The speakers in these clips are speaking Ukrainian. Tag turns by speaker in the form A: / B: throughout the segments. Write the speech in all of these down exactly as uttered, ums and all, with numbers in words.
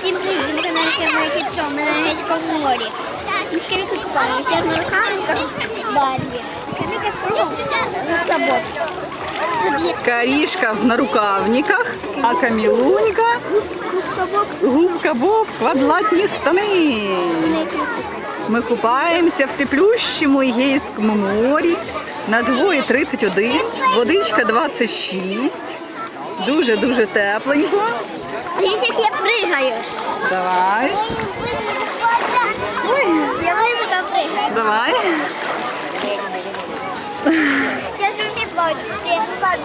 A: Всім привіт, ви на каналі Кемера Кітчо, ми на Егейському морі. Ми з Кемікою купаємося, я на рукавниках Барбі. Кеміка з кругом губка-боб. Тут є
B: Карішка в нарукавниках, а Камілунька
A: губка-боб.
B: губка-боб, квадратні штани. Ми купаємося в теплющому Егейському морі. На двоє тридцять один, водичка двадцять шість. Дуже-дуже тепленько.
A: Дивіться, як я пригаю.
B: Давай,
A: Я високо пригаю.
B: давай.
A: Я ж не бачу. Я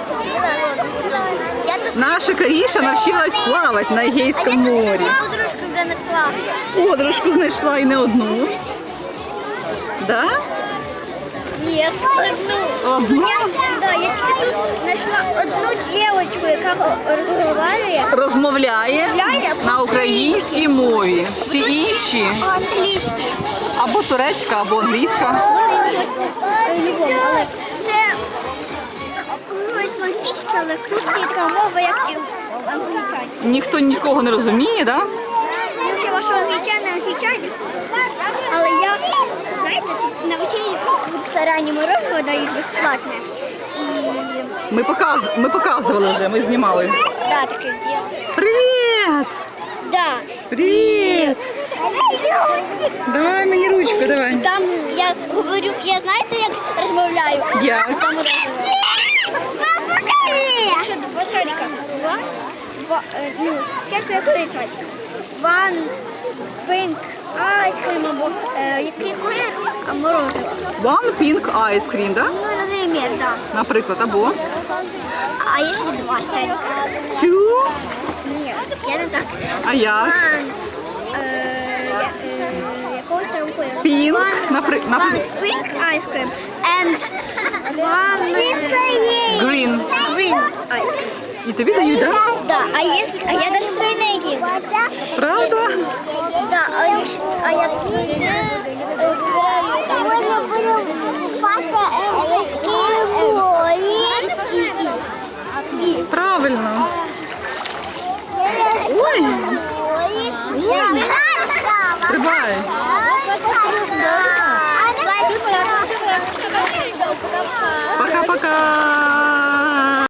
A: Я тут...
B: Наша Каріша навчилась плавати на
A: А я
B: Егейському
A: тут
B: морі.
A: подружку вже несла.
B: Подружку знайшла і не одну. Да?
A: Нет, одну.
B: Одну?
A: Я, да, я тільки тут знайшла одну дівчинку, яка розмовляє.
B: Розмовляє
A: Розмовляє
B: на українській мові. Всі інші
A: Англійський.
B: або турецька, або англійська.
A: Не помню, але це говорить по-англійськи, але в Турції така мова, як і в англічані.
B: Ніхто нікого не розуміє, да?
A: Ну, хіба що англічани, англічані. Але я, знаєте, тут на вечері в ресторані морозиво дають безплатне. І,
B: Ми, показ... ми показували вже, ми знімали.
A: да, таке діло.
B: Привіт!
A: Да.
B: Привіт! Давай мені ручку, давай.
A: Там я говорю, я знаєте, як розмовляю?
B: Як?
A: Там розмовляю. Якщо два шарика, два, два, е, ну, спочатку як один шарик. One, pink, ice cream, або е, який колір, а морозиво.
B: One pink ice cream, да?
A: Ну, наприклад, да.
B: Наприклад, або
A: А якщо два шарика?
B: two,
A: Ні, я не так.
B: а як?
A: One, е, я- е, якогось там кольору.
B: Pink,
A: One,
B: напри-
A: one
B: напри-
A: pink ice cream and one е,
B: Green.
A: green ice cream.
B: І тобі дають, да?
A: Да, а если, а я даже тройные ем.
B: Правда?